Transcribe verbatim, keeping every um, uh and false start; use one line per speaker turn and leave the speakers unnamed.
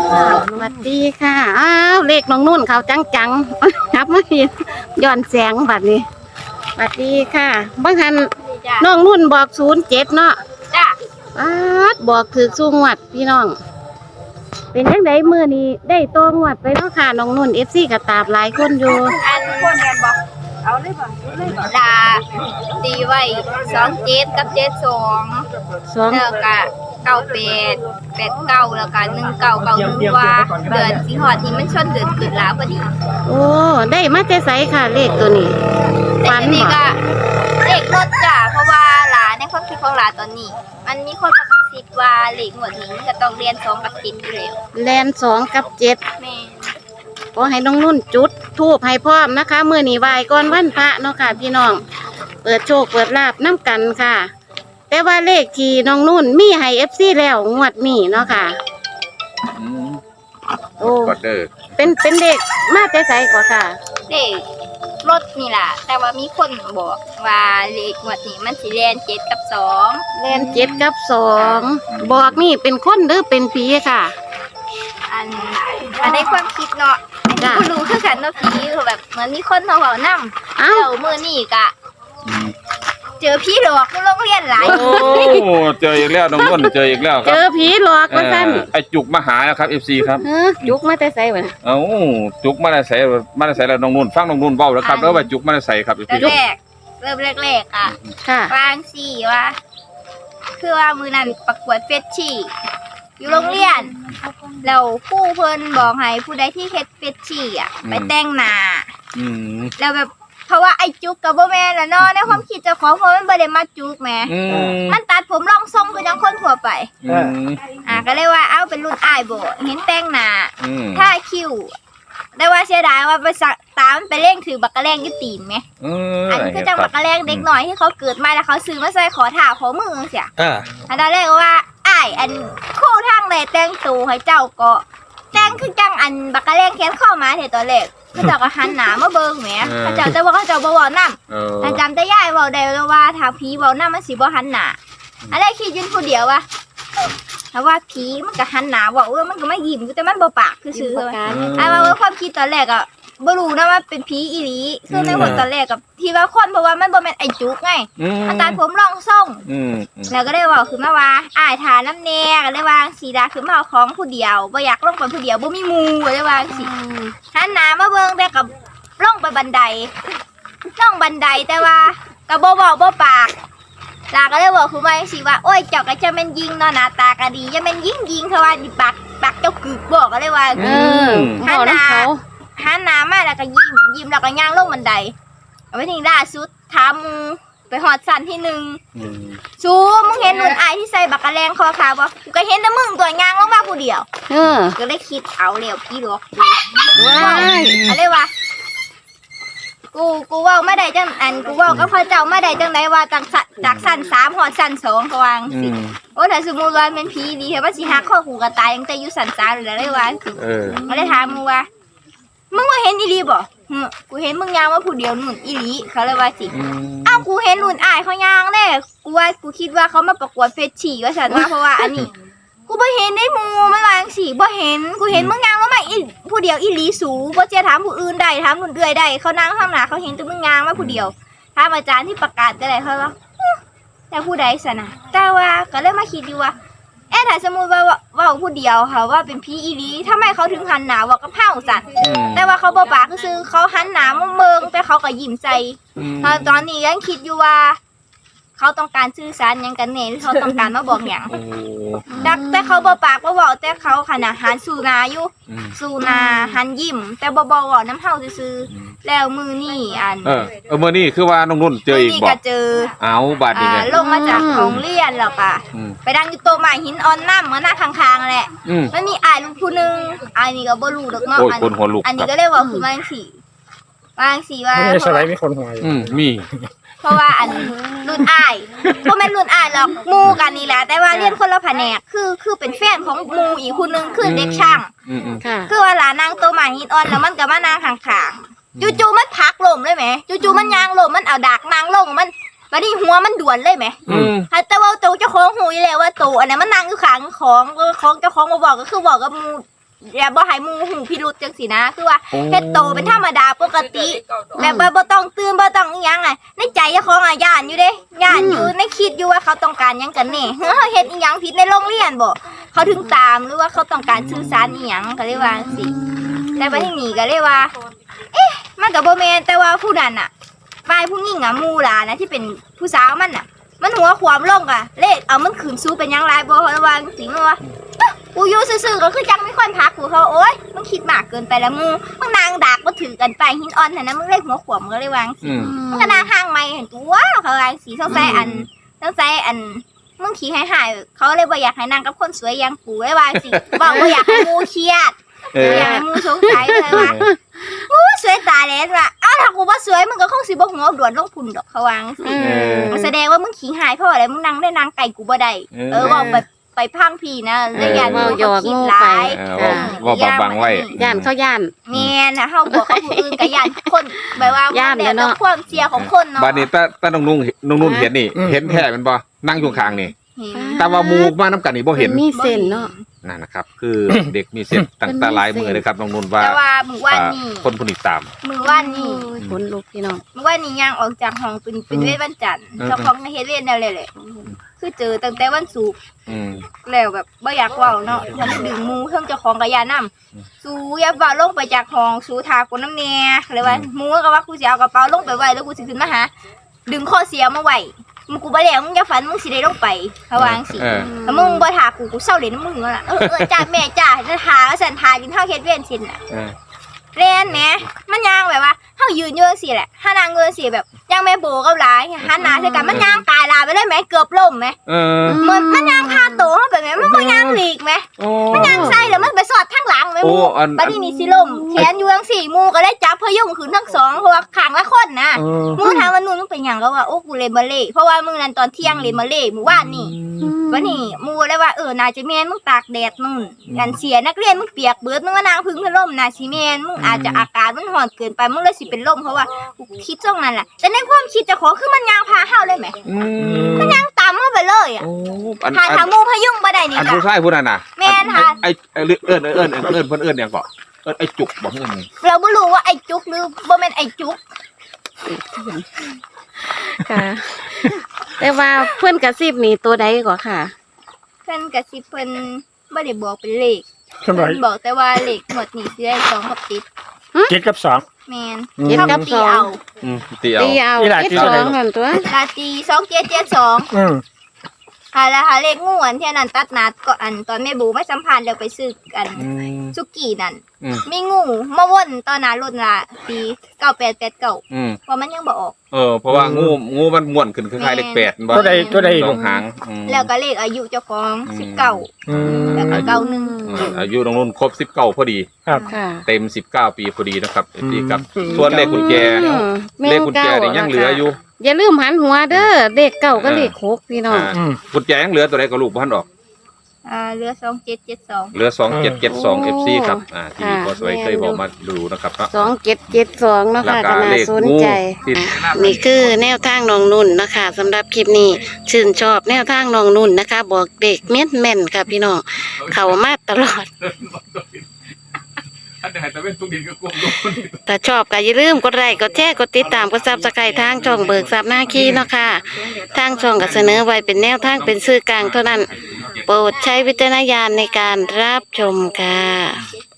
สวัสดีค่ะอ้าวเลขน้องนุ่นเขาจังจังครับมาเห็นย้อนแสงบัดนี้สวัสดีค่ะบางทันน้องนุ่นบอกศูนย์เจ็ดเนาะจ้าอ้าบอกถือสู้งวดพี่น้องเป็นยังไงมือนี้ได้โตงวดไปเนาะค่ะน้องนุ่นเอฟซีกับตาบหลายคนอยู่
อันคนกันบอกเอาเลยบอกเลยบอกดาตีไว้สองเจ็ดกับเจ็ดสอง
สอง
แล้วก็เก้าแปดแปดเก้าแล้วก็หนึ่งเก้าเก้าหนึ่งว่าเดือนสีหอดนี้มันชนเดือนเกิดแล้วพอดี
โอ้ได้มาแต่ไสค่ะเลขตัวนี้
ฟันนี่ก็เลขรถจ้ะเพราะว่าหลานในความคิดของหลานตอนนี้มันมีคนมากระซิบว่าเลขหมวดนี้จะต้องเรียนสองกับเจ็ดอยู่แล้ว
แลนสองกับเจ็ด
แม่
ขอให้น้องนุ่นจุดทูบให้พร้อมนะคะมื้อนี้ไหว้ก่อนวันพระเนาะค่ะพี่น้องเปิดโชคเปิดลาภน้ำกันค่ะแต่ว่าเลขที่น้องนุ่นมีให้ เอฟ ซี แล้วงวดนี้เนาะค่ะ
อืม
โอ้
ก็เด้อ
เป็นเป็นเลขมาแต่ไสกว่าค่ะ
เลขรถนี่ล่ะแต่ว่ามีคนบอกว่าเลขงวดนี้มันสิเรียนเจ็ดกับสอง
แลนเจ็ดกับสองบอกนี่เป็นคนหรือเป็นผีค่ะ
อันอันในความคิดเนาะกูรู้คือกันเนาะผีคือแบบเหมือนมีคนมาบอกนั่งแล้วมือนี่กะเจอผีหลอกโรงเรียนหลาย
โอ้เจออีกแล้วน้องนุ่นเจออีกแล้วครับ
เจอผีหลอกว่าซั่น
ไอจุกมาหาแล้วครับ เอฟ ซี ครับ
จุกมาแต่ไสวะ
เอ้าจุกมาแต่ไสมาแต่ไสแล้วน้องนุ่นฟังน้องนุ่นเว้าแล้วครับแล้วว่าจุกมาแต่ไสครับ
เอฟ ซี แรกเริ่มแรกๆอ่ะ
ค่ะ
วางสี่ว่าคือว่ามือนั้นประกวดเฟชชี่อยู่โรงเรียนแล้วครูเพิ่นบอกให้ผู้ใดที่เฮ็ดเฟชชี่อ่ะไปแต่งหน้าแล้วแบบเพราะว่าไอ้จุกกับโบแมนละเนาะในความคิดเจ้าของเพราะมันบ่ได้มาจุกแหมมันตัดผมรองทรงคือจังคนทั่วไปอ่าก็เลยว่าเอาเป็นรุ่นอ้ายโบเห็นแต่งหน้าถ้าคิวได้ว่าเสียดายว่าไปสักตามไปเร่งถือบักกะแรงอยู่ตีนไหมอันนี้คือจังบักกะแรงเด็กหน่อยที่เขาเกิดมาแล้วเขาซื้อมาใส่ขอถ่าขอมือเสียอันนั้นเรียกว่าอ้ายอันคู่ทางเลยแต่งตัวให้เจ้าก็แต่งคือจังอันบักกะแรงแค้นเข้ามาเถอะตัวเล็กเขาเจ้าก็หันหน้ามาเบิ่งแหมเขาเจ้าแต่ว่าเขาเจ้าบ่เว้านำแต่จำแต่ยายเว้าได้ว่าถ้าผีเว้านำมันสิบ่หันหน้าอันนี้คิดอยู่ผู้เดียวว่าถ้าว่าผีมันก็หันหน้าเว้าเออมันก็ไม่ยิ้มแต่มันบ่ปากคือซื่อๆอันว่าความคิดตอนแรกอ่ะบ่รู้นะว่าเป็นผีอีหลีคือในหัวตอนแรกกับที่ว่าคนเพราะว่ามันบ่แม่นไอ้จุกไงอันตาผมรองทรงแล้วก็ได้เว้าขึ้นมาว่าอ้ายทาน้ำแน่ก็เลยว่าสีดาคือมาเอาของผู้เดียวบ่อยากลงไปผู้เดียวบ่มีหมู่ก็เลยว่าสิหันหน้ามาเบิ่งแต่กับลงไปบันไดลงบันไดแต่ว่าก็บ่เว้าบ่ปากลาก็เลยบอกคุณว่าสิว่าโอ้ยเจ้าก็จะแม่นยิงเนาะหน้าตาก็ดีจะแม่นยิงยิงเขาว่าดิปากปากเจ้ากึกบอกก็เลยว่า
เออหันหน้า
หันหน้ามาแล้วก็ยิ้มยิ้มแล้วก็ย่างลงบันไดเอาไปถึงล่าสุดทำไปหอดสันที่หนึ่งซูมึงเห็นนุ่นอายที่ใส่บักกะแรงคอขาวบ่กูก็เห็นแต่มึงตัวย่างลงมาผู้เดียวเออก็ได้คิดเอาเร็วพี่หลอกว้ายอะไรวะกูกูว่าไม่ได้จังอันกูว่าก็พอเจ้าไม่ได้จังไหนว่าจากจากสั้นสามหอดสั้นสองเขาวางสิโอ้แต่สมมติว่าเป็นผีดีเหรอว่าสิหักข้อหูกระตายยังแต่อยู่สั้นสามหรืออะไรวะก็เลยถามมึงว่ามึงว่าเห็นอีหลีบ่กูเห็นมึงย่างว่าผู้เดียวนุ่นอีหลีเขาเลยว่าสิอ้าวกูเห็นนุ่นอายเขาย่างเลยกูว่ากูคิดว่าเขามาประกวดเฟชชี่ว่าฉันว่าเพราะว่าอันนี้กูบ่เห็นได้มูไม่วางสิบ่เห็นกูเห็นมึงย่างแล้วมาอีผู้เดียวอีหลีสูบ่เจ้าถามผู้อื่นได้ถามนุ่นเอื่อยได้เขานั่งข้างหน้าเขาเห็นแต่มึงย่างมาผู้เดียวถามอาจารย์ที่ประกาศก็ได้เขาว่าแต่ผู้ใดสนะแต่ว่าก็เลยมาคิดดูว่าเอ๊ะถ้าสมมติว่าว่าผู้เดียวค่ะว่าเป็นผีอีหลีทำไมเขาถึงหันหน้าว่ากับเผาสัตว์แต่ว่าเขาบ่ปากคือเขาหันหน้ามาเบิ่งแต่เขาก็ยิ้มใจตอนนี้ยังคิดอยู่ว่าเขาต้องการสื่อสารยังกันแน่หรือเขาต้องการมาบอกอย่างแต่เขาบ่ปากบ่บอกแต่เขาขนาดหันสู่นาอยู่สู่นาหันยิ้มแต่บ่บอกว่าน้ำเฮาซื่อแล้วมือนี่อัน
เออเออมือนี่คือว่าน้องนุ่นเจออีกบอก
ก็เจอ
เอาบาดนี้ไง
ลงมาจากโรงเรียนแล้วก็ไปดังอยู่โตใหม่หินอ่อนน้ำมาหน้าข้างๆแหละมันมีอ้ายลูกผู้นึงอ้ายนี่ก็บ่รู้ดอกเนาะอันนี้ก็เลยว่าคือมันสิว่าสิว่า
ไม่ใช่ไรมีคนหัวอยู่
อืมมี
เพราะว่าอันรุ่นอ้ายเพราะแม่นรุ่นอ้ายหรอกมูกันนี่แหละแต่ว่าเรียนคนละแผนกคือคือเป็นแฟนของมูอีกคนนึงคือเด็กช่างคือว่าหลานนางโตใหม่หินอ่อนแล้วมันก็มานางข้างๆจู่ๆมันพักลมเลยไหมจู่ๆมันยางลมมันเอาดากนางลงมันวันนี้หัวมันด่วนเลยไหมแต่ว่าตัวเจ้าของหูยเลยว่าตัวอันนั้นมันนางอยู่ข้างของของเจ้าของมาบอกก็คือบอกกับมูอย่าบ่ให้หมู่หูพิรุษจังสินะคือว่า
โอ้
เฮ็ดโตเป็นธรรมดาปกติแบบบ่บ่ต้องตื่นบ่ต้องอิหยังอ่ะในใจเจ้าของอ่ะย่านอยู่เด้ย่านอยู่ในคิดอยู่ว่าเขาต้องการหยังกันแน่เฮ้อเฮ็ดอีหยังผิดในโรงเรียนบ่เขาถึงตามหรือว่าเขาต้องการสื่อสารอีหยังก็เลยว่าจังซี่แต่บัดนี้ก็เลยว่า เอ๊ะมันก็บ่แม่นแต่ว่าผู้นั้นน่ะฝ่ายผู้หญิงอ่ะหมู่หลานนะที่เป็นผู้สาวมันน่ะ มันหัวขวามลงอ่ะเลขเอามันขืนสู้เป็นหยังไรบ่เพราะว่าสิมันว่าอ๊ะกูอยู่ซื่อๆก็คือจังไม่ค่อยพักกูเขาโอ๊ยมึงคิดมากเกินไปแล้วมึงมึงนางดากก็ถือกันไปหินอ่อนน่ะนะมึงเลขหัวขวามก็เลยวางสิ
อืม
มึงก็นางห่างไม่เห็นตัวเขาวางสีต้องใส่อันต้องใส่อันมึงขี้หายหายๆเขาเลยบ่อยากให้นางกับคนสวยอย่างกูเลยวางสิบอกบ่อยากให้มูเครียด
เออ
บ่อยากให้มูสงสัยเลยว่าอู้สวยตายแล้วว่ะอ้าวถ้ากูว่าสวยมึงก็คงสิบ่หัวด่วนลงพุ่นดอกเขาวางสิ
อืม
มันแสดงว่ามึงขี้หายเพราะอะไรมึงนั่งได้นางไก่กูบ่ได้
เออ
เออบอกไปไปพังพี่นะแล้วยาน
เว้าหยอก
คิด
งู
ร้า
ไป
ย
เออว่าว่าบังๆไว้
ย่านเขาย่าน
แม่นะเฮาบอกเขาผู้อื่นก็ย่านคนแบบว่า
ย้านเลยเนาะ
แต่ความเสียของคนเนาะ
บัดนี้ตาตาน้องนุ่งน้องนุ่นเห็นนี่
อืม
เห็นแท้แมันบ่นั่งอยู่ข้างนี่
เห็น
แต่ว่าหมู่มานํกันนี่บ่เห็น
มีเส้นเนาะ
นั่นนะครับ คือ เด็กมีเส้นตั้งแต่หลายมือเลยครับน้องนุ่นว่า
แต่ว่ามื้อวาน
อ่า
นี้
คนผู้นี้ตาม
มื้อวานนี้
โอ้ยขนลุกพี่น้อง
มื้อวานนี้ย่างออกจากห้องเป็นเป็นเวทวันจันทร์
อืม
เจ้าของในเฮ็ดเวทแนวเลยแหละคือเจอตั้งแต่วันศุกร์
อืม
แล้วแบบบ่อยากเว้าเนาะมันดึงหมูเพิ่งเจ้าของกะยานํสู้อย่าเว้าลงไปจากห้องสู้ทากูน้ำแน่เลยว่าหมูก็ว่ากูสิเอากระเป๋าลงไปไว้แล้วกูสิขึ้นมาหาดึงข้อเสียมาไว้มึงกูบ่แล้วมึงอย่าฝันมึงสิได้ลงไปเขาวาจังสิ
เออ
แล้วมึงบ่ทากูกูเศร้าเล่นน้ำมึงแล้วล่ะเออเออจ้าแม่จ้าจะทาแล้วสันทากินข้าวเฮ็ดเวียนซินน่ะ
เออ
เล่นแหมมันย่างแบบว่าเฮายืนอยู่จังซี่แหละถ้านางเงินสิแบบย่างแม่โบกับหลายหันหน้าใส่กันมันย่างตายลาไปเลยแหมเกือบล้มแหม
เออ
มันมันย่างคาโตเฮาไปแหมมันบ่ย่างหลีกแหม
โอ้
มันย่างใส่แล้วมันไปสอดทางหลังแหม
โอ้
หมู
อัน
บัดนี้นี่สิล้มแขนอยู่จังซี่หมูก็ได้จับพยุงขึ้นทั้งสองเพราะว่าข้างละคนนะ
เออ
หมูถามว่านู่นมึงเป็นหยังก็ว่าโอ้กูเล่นบัลเล่ต์เพราะว่ามึงนั่นตอนเที่ยงเล่นบัลเล่ต์หมู่บ้านนี่วันนี้หมูเลยว่าเออน่าจะแม่นมึงตากแดดนู่นกันเสียนักเรียนมึงเปียกเบิดมึงว่านางพึ่งพัดลมน่าสิแม่นมึงอาจจะอากาศมันร้อนเกินไปมึงเลยสิเป็นลมเพราะว่ากูคิดจ้องนั่นแหละแต่ในความคิดเจ้าของคือมันยางพาเฮาเลยแหม
อืม
ยางตามมาไปเลยอ่ะ
โอ้อัน
หา
อั
ทาน งหมูพยุงบ่ได้นี่
อัน
จ้ะ
ผู้ชายผู้นั้นน่ะ
แม่นค่ะ
ไอ้ไอ้เอิ้นเอิ้นเอิ้นเอิ้นเอิ้นเพิ่นเอิ้นหยังก็เอิ้นไอ้จุกบ่เอิ้นหยัง
เราบ่รู้ว่าไอ้จุกหรือบ่แม่นไอ้จุก
ค่ะ แต่ว่าเพื่อนกระซิบนี่ตัวใดกว่าค่ะ
เพิ่นก็สิเพิ่นบ่ได้บอกเป็นเลข
ทำไม
เพิ่นบอกแต่ว่าเลขหมดนี่สิได้สองกับติด
เจ็ดกับสอง
แม่น
เจ็ดกับสอง
อืมตีเอา
ตีเอา
อีหลา
เจ็ด
ตี
ส
เท่า
อ
ไหร่
งนั่นตัว
ลาตีสองเจ็ดเจ็ดสอง
อืม
หาแล้วหาเลขงูอันที่อันนั้นตัดนัดก็อันตอนแม่บูไม่สัมพันธ์แล้วไปซื้อกัน
อืม
สุกี้นั่น
อืม
มีงูมาวนตอนหน้ารถละปีเก้าแปดแปดเก้า
อืม
ว่ามันยังบ่ออก
เออเพราะว่างูงูมันม่วนขึ้นคล้ายๆเลขแปดบ่
ตัวใดตัวใด
ส
ลู
อก งหางอืม
แล้วก็เลขอายุเจ้าของ
อืม
สิบเก้า
อืม
แล้วก็เก้าหนึ่ง
อืมอายุน้องนุ่นครบสิบเก้าพอดี
ครับ
ค่ะ
เต็มสิบเก้าปีพอดีนะครับเอฟซีครับ
อืม
ส่วนเลขกุญแจ
อืม
เลขกุญแจนี่ยังเหลืออยู่
อย่าลืมหันหัวเด้อเลขเก้าก็เลขหกพี่น้อง
อ่า
อืม
กุญแจยังเหลือตัวใดก็ลูกพันออก
อ่าเหลือสองเจ็ดเจ็ดสอง
เหลือสองเจ็ดเจ็ดสองเอฟซีครับอ่าที่
ค่ะ
พอสวยเคยบอกมาดูนะครับเนาะ
สองเจ็ดเจ็ดสองเนาะ
แล้ว
ค่ะ
ก็
ก็น่า
เลข
สน
งู
ใจ
ที่
นี่คือแนวทางน้องนุ่นนะคะสำหรับคลิปนี้ชื่นชอบแนวทางน้องนุ่นนะคะ บอกเด็กเม็ดแม่นค่ะพี่น้องเขามาตลอด ถ้าชอบก็อย่าลืมกดไลค์กดแชร์กดติดตามกดซับสไครต์ทางช่องเบิกทรัพย์หน้าขี้เนาะค่ะทางช่องก็เสนอไว้เป็นแนวทางเป็นสื่อกลางเท่านั้น โปรดใช้วิจารณญาณในการรับชมค่ะ